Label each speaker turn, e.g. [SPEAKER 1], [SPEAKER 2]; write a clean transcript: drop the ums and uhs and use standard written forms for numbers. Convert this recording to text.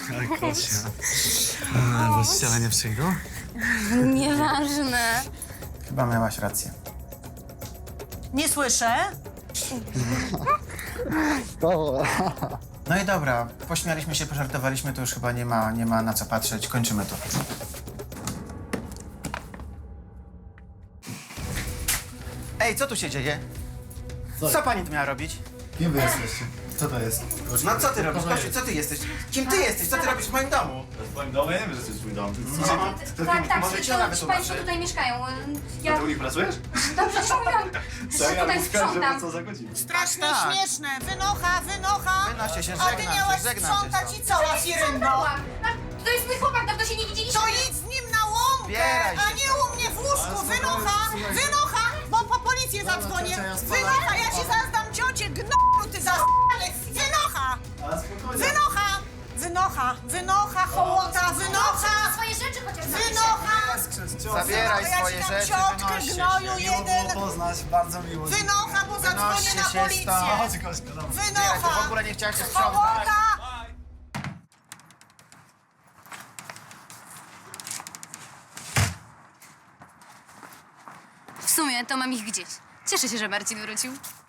[SPEAKER 1] Ale Kosia. Bo ściana nie przyjdą?
[SPEAKER 2] Nieważne.
[SPEAKER 3] Chyba miałaś rację.
[SPEAKER 4] Nie słyszę.
[SPEAKER 3] No i dobra, pośmialiśmy się, pożartowaliśmy, to już chyba nie ma na co patrzeć. Kończymy to. Ej, co tu się dzieje? Co pani tu miała robić?
[SPEAKER 1] Kim wy jesteście? Co to jest?
[SPEAKER 3] No co ty robisz? Kosiu, co ty jesteś? Kim ty jesteś? Co ty robisz w moim domu?
[SPEAKER 1] W twoim domu? Ja nie wiem, że to jest twój dom.
[SPEAKER 2] Tak,
[SPEAKER 3] może ci ona
[SPEAKER 2] ci
[SPEAKER 3] wytłumaczy.
[SPEAKER 2] państwo tutaj mieszkają.
[SPEAKER 1] Ty
[SPEAKER 2] Ja
[SPEAKER 1] u nich pracujesz?
[SPEAKER 2] dobrze ci mówiłam, że tutaj sprzątam.
[SPEAKER 1] co za godzinę.
[SPEAKER 4] Strasznie
[SPEAKER 3] Tak.
[SPEAKER 4] śmieszne. Wynocha.
[SPEAKER 3] Wynoście się,
[SPEAKER 4] A ty
[SPEAKER 3] żegnam
[SPEAKER 4] miałaś
[SPEAKER 3] się, żegnam się.
[SPEAKER 4] sprzątać i co, Lafiryndo?
[SPEAKER 2] To jest mój chłopak, dawno się nie widzieliśmy.
[SPEAKER 4] To idź z nim na łąkę,
[SPEAKER 3] Zbieraj się
[SPEAKER 4] a nie u mnie w łóżku. Wynocha, bo po policję zadzwonię.
[SPEAKER 1] ciocia, ja spadam.
[SPEAKER 4] Wynocha, ja ci zaraz dam ciocię, gnoju ty zaspany. Wynocha,
[SPEAKER 1] Ale spokojnie.
[SPEAKER 4] wynocha, hołota, wynocha,
[SPEAKER 2] Swoje rzeczy chociaż
[SPEAKER 4] wynocha.
[SPEAKER 3] Zabieraj
[SPEAKER 4] Ja ci
[SPEAKER 3] swoje
[SPEAKER 4] dam
[SPEAKER 3] rzeczy,
[SPEAKER 4] ciotkę,
[SPEAKER 3] wynoście
[SPEAKER 4] gnoju
[SPEAKER 3] się.
[SPEAKER 1] Miło
[SPEAKER 4] jeden.
[SPEAKER 1] było poznać, bardzo miło.
[SPEAKER 4] Wynocha, bo zadzwonię
[SPEAKER 3] Wynoście
[SPEAKER 4] na
[SPEAKER 3] się
[SPEAKER 4] policję.
[SPEAKER 3] stąd.
[SPEAKER 1] Chodź, Kośka, dobra.
[SPEAKER 3] Zbieraj, to w
[SPEAKER 4] Wynocha,
[SPEAKER 3] ogóle nie chciałaś się sprzątać.
[SPEAKER 4] hołota.
[SPEAKER 2] W sumie to mam ich gdzieś. Cieszę się, że Marcin wrócił.